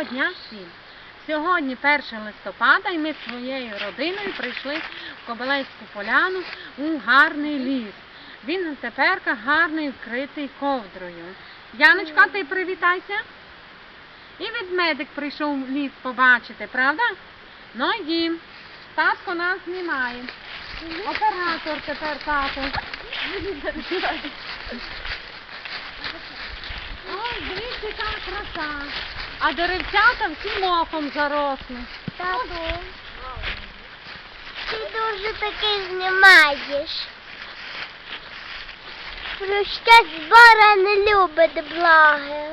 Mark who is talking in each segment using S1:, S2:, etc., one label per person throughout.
S1: Доброго дня всім! Сьогодні 1 листопада і ми з своєю родиною прийшли в Кобилецьку поляну у гарний ліс. Він тепер гарний, вкритий ковдрою. Яночка, ти привітайся. І ведмедик прийшов в ліс побачити, правда? Ну йдім. Татко нас знімає. Оператор тепер тато. Ой, дивіться, яка краса. А деревцята всі мохом заросли.
S2: Тату, ти дуже таки знімаєш. Про що збора не любить благи.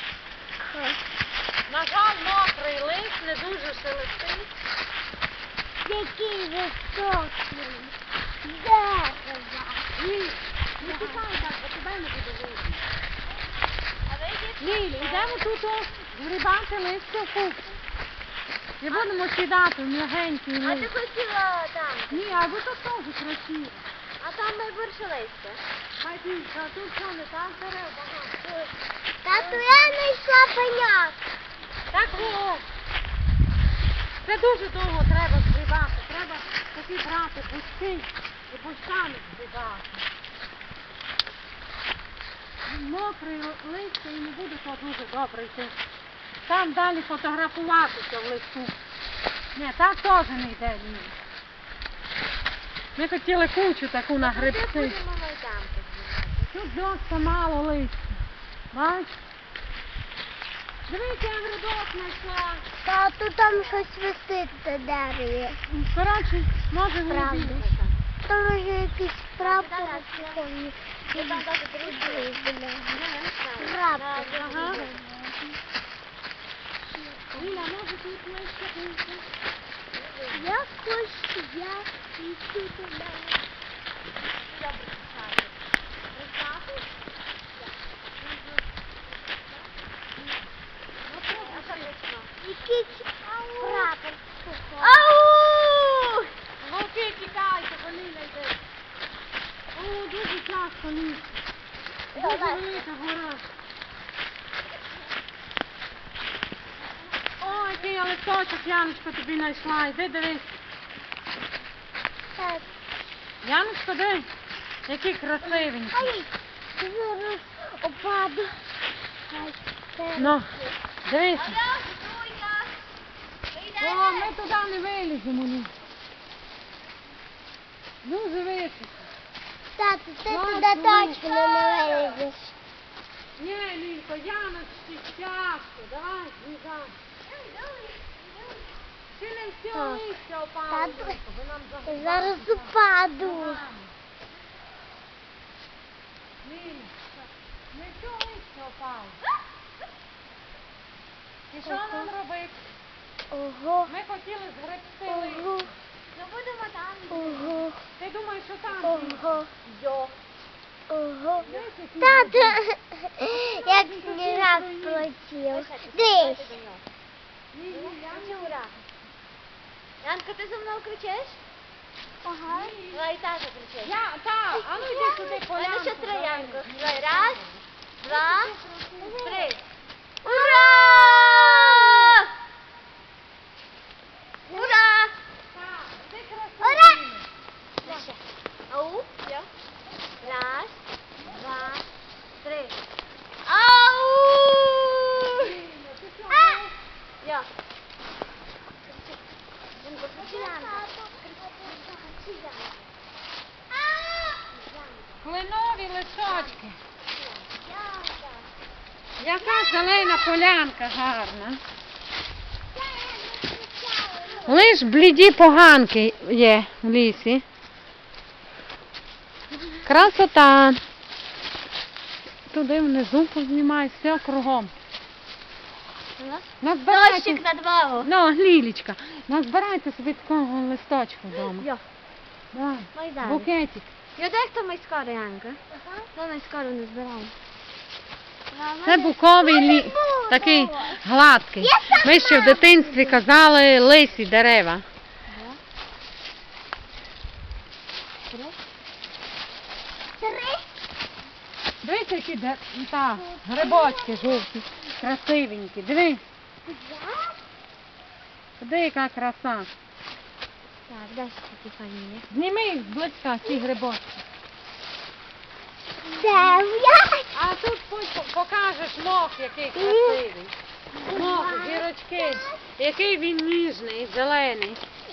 S1: На жаль, мокрий лист, не дуже шелестить.
S2: Який високий. Дерева.
S1: Не тікай так, бо тебе не буде видно. Лілі, йдемо тут згрібати листя в купу. І будемо сідати в м'ягенький
S2: А ти
S1: лист.
S2: хотіла там.
S1: Ні, а ви тут теж красиво.
S2: А там найбільше листя.
S1: Хайдінка, а тут що не так дерев багато.
S2: Тату, я знайшла пеняк.
S1: Так о. Це дуже довго треба згрібати. Треба такі брати пусти і пустами згрібати. Мокрий листя і не буде то дуже добре йти. Там далі фотографуватися в листу. Ні, так теж не йде. Ні. Ми хотіли кучу таку на грибці. Тут досить мало листя. Бач? Дивіться, я грибок знайшла.
S2: Тату, там щось висить на дереві.
S1: Коротше, може грибі.
S2: Там вже якийсь прапор. Прапор.
S1: Ага. Ліля, може тут листя більше?
S2: Я хочу, я йду туди. Якийсь прапор. Ау!
S1: Вовки, тікайте, бо Ліля йде. О, дуже тяжко лізти. Дуже велика гора. Ой, який я листочок, Яночко, тобі знайшла. Іди дивись.
S2: Так.
S1: Яночко, дивись, який красивенький.
S2: Ай, зараз опаду.
S1: Ну, дивись. О, ми туди не виліземо. Ні. Дуже високо.
S2: Тату, ти туди точно не вилізеш.
S1: Ні, Лілько, Яночці, тяжко. Давай, злізай. Ще не все
S2: Так.
S1: листя опало,
S2: Тату,
S1: Лілько, бо нам загубили.
S2: зараз упаду.
S1: Ліля, не все листя опало. І що нам робити?
S2: Ого.
S1: Ми хотіли згребти листя.
S2: Ого.
S1: Ну будемо там.
S2: Ого.
S1: Ти думаєш, що там?
S2: Ого.
S1: Йо.
S2: Ого.
S1: Дивись, який
S2: Тату, як сніжак полетів. Дивись.
S3: Янка, ти за мною кричиш?
S2: Ага.
S3: Давай і тато кричиш.
S1: А ну йди сюди,
S3: У мене
S1: Полянко.
S3: ще три, Янко. Давай, раз, два, три.
S2: Ура!
S3: Ура!
S1: Ти красивий.
S2: Ура!
S3: Ще. Ау, все. Раз, два, три. Ау! Я. Янко, кричи, Янко.
S1: Кленові листочки. Яка зелена полянка гарна. Лиш бліді поганки є в лісі. Красота. Туди внизу познімай, все кругом. Назбирайте,
S3: Дощик на двору.
S1: ну, Лілічка, назбирайте собі такого листочку вдома.
S3: Я.
S1: Давай,
S3: Майдан.
S1: букетик.
S3: Я дай хто ми скоро, Янка. Ну, ми скоро не збираємо.
S1: Це буковий такий гладкий. Ми ще в дитинстві казали лисі дерева.
S2: Три.
S1: Дивіться, які грибочки жовті, красивенькі. Дивись. Де яка краса.
S2: Так, дай такі файні.
S1: Зніми їх зблизька, ці грибочки.
S2: Дев'ять.
S1: А тут покажеш мох, який красивий. Мох, гірочки, який він ніжний, зелений.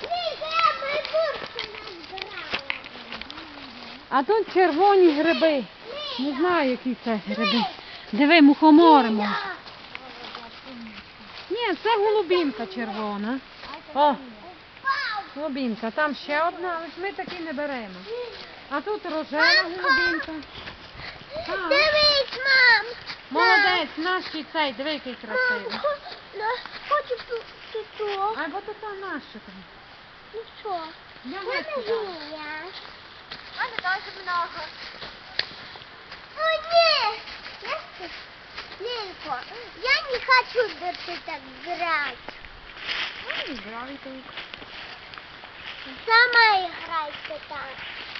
S1: А тут червоні гриби. Не знаю, які це гриби. Диви, мухомори може. Ні, це голубінка червона. О, голубінка. Там ще одна, але ж ми такі не беремо. А тут рожева голубінка. Так.
S2: Дивись, мам.
S1: Молодець, наш і цей, диви, який красивий.
S2: Хочу тут.
S1: А бо тут наш там.
S2: Ну що?
S1: Я
S2: Це
S1: не сюди.
S2: Юля.
S3: У мене дуже много.
S2: О, ні. Лилько, я не хочу, да ты так играть. Сама играй ты так.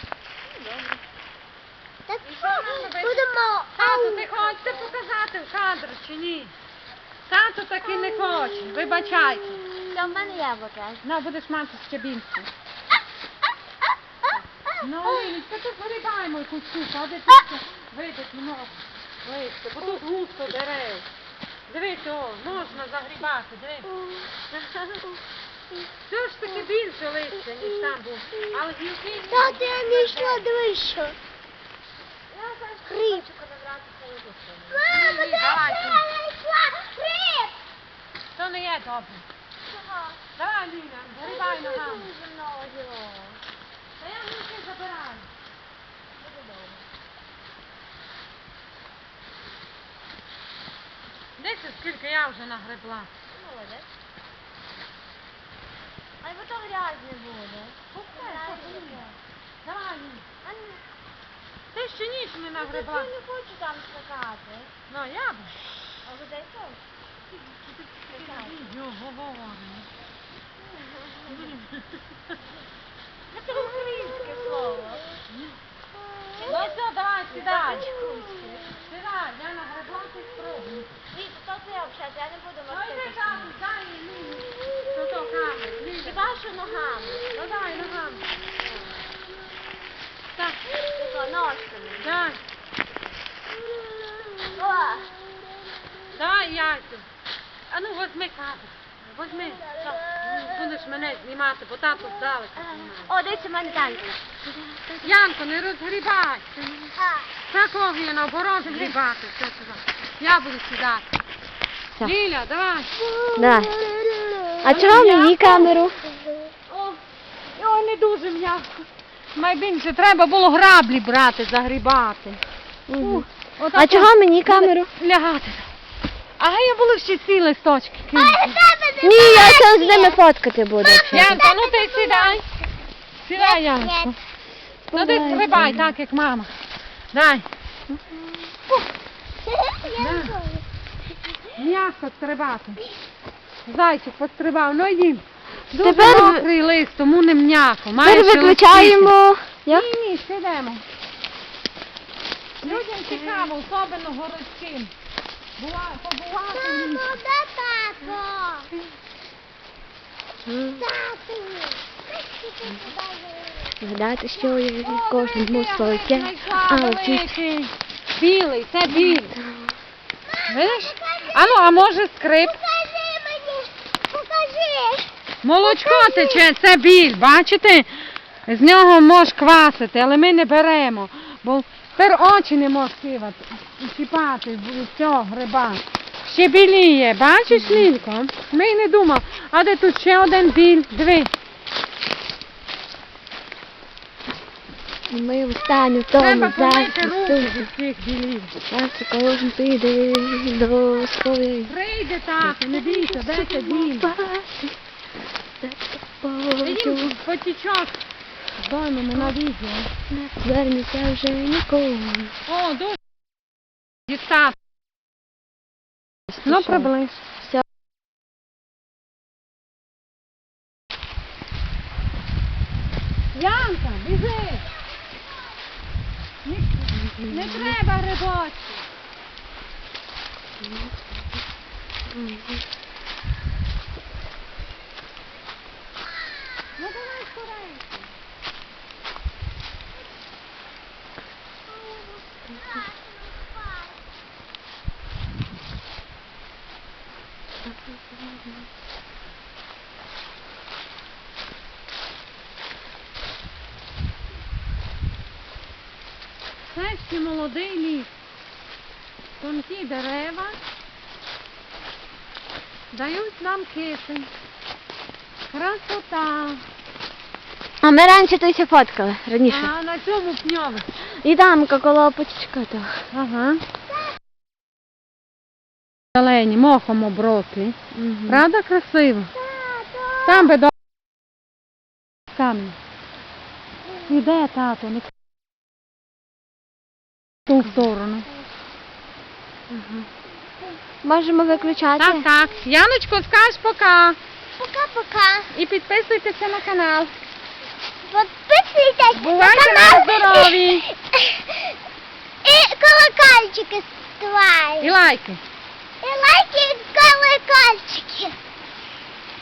S2: Так що, будемо...
S1: Тату, ти хочете показати в кадр чи ні? Тату таки не хоче, вибачайте.
S3: Та в мене яблука.
S1: Ну, будеш мати ще більше. Ну, Лілічка, тут вирібаємо якусь штуку, а де тут вийдуть много листя, бо тут густо дерев. Дивись, о, можна загрібати, дивись. Все ж таки більше листя, ніж там був. Але гілки...
S2: Тата, я знайшла, дивись що. Гриб. Мама,
S1: Ні,
S2: дивись,
S1: давай,
S2: що
S1: ти.
S2: я знайшла. Гриб.
S1: То не є добре. Давай, Ліна, грибай ногами.
S3: Дуже много гілок.
S1: Та я гілки забираю. Дивіться, скільки я вже нагребла.
S3: Молодець. А бо то грязне буде.
S1: Давай, Ліна.
S3: А ні,
S1: Ти ще ніч не
S3: я
S1: нагребла.
S3: не хочу там скакати.
S1: Ну, я б.
S3: А ви дай що?
S1: Його говоримо.
S3: Це українське слово.
S1: Ну все, давай, сідай. Сідай, я нагребла, ти спробуй.
S3: Ні, то це взагалі, я не буду
S1: Ну
S3: мастити.
S1: йди, Катю, дай Ліні. Ну то камеру.
S3: Хіба що ногами.
S1: Ну дай, ногами. Так,
S3: Тако, ножками.
S1: дай.
S3: О!
S1: Давай, яйцю. А ну, возьми кадр. Возьми. Так, будеш мене знімати, бо тату здалека знімає.
S3: О, дивіться, в мене танки.
S1: Янко, не розгрібай. Такого є наоборот грібати. Все сюди. Я буду сідати.
S2: Все.
S1: Ліля, давай.
S2: Да. А чого мені камеру?
S1: О, ой, не дуже м'яко. Найбільше треба було граблі брати, загрібати. Отак
S2: А чого мені камеру?
S1: лягати. А я були всі ці листочки.
S2: Ні, я сам з ними фоткати буду.
S1: Янка, ну ти сідай. Сідай, Янко. Ну ти стрибай так, як мама. Дай. М'яко стрибати. Зайчик пострибав, ну їм. Дуже
S2: Тепер ви-
S1: мокрий лист, тому не м'яко. Має
S2: Тепер
S1: шелестіти.
S2: виключаємо. Як?
S1: Ні, сидимо. Людям цікаво, особливо городським. Побувати в лісі.
S2: Згадайте, що є в кожному своє,
S1: Знайшла
S2: але ті
S1: великий. Білий, це біль. Видиш? А може скрип?
S2: Покажи мені, покажи.
S1: Молочко тече, це біль, бачите? З нього можеш квасити, але ми не беремо, бо тепер очі не можеш чіпати з цього гриба. Ще біліє, бачиш, Лілько? Ми й не думали. А де тут ще один біль? Диви.
S2: Ми встанемо в тому
S1: Треба помити руки
S2: захисту.
S1: від цих білів.
S2: Зараз кожен піде до своєї.
S1: Прийде тато, не бійся, де це біль? Ідім потічок. Здоймемо на відео.
S2: Не звернеться вже нікому.
S1: О, дуже дістати. Ну, приблизь.
S2: Все.
S1: Янка, біжи. Не треба грибочки. Це ще молодий ліс. Тонкі дерева дають нам кисень. Красота.
S3: А ми раніше тут ся фоткали, раніше.
S1: А на цьому пньові.
S3: І там коло почечка того.
S1: Ага. Зелені, мохом оброслі. Правда красиво? Там би до камінь. Іде, тато, не в ту сторону.
S3: Можемо виключати?
S1: Так, так. Яночко, скаж пока.
S2: Пока-пока.
S1: І підписуйтеся на канал.
S2: Підписуйтесь
S1: Бувайте
S2: на
S1: на
S2: канал.
S1: здорові.
S2: І колокольчики ставайте.
S1: І лайки.
S2: І лайки, і колокольчики.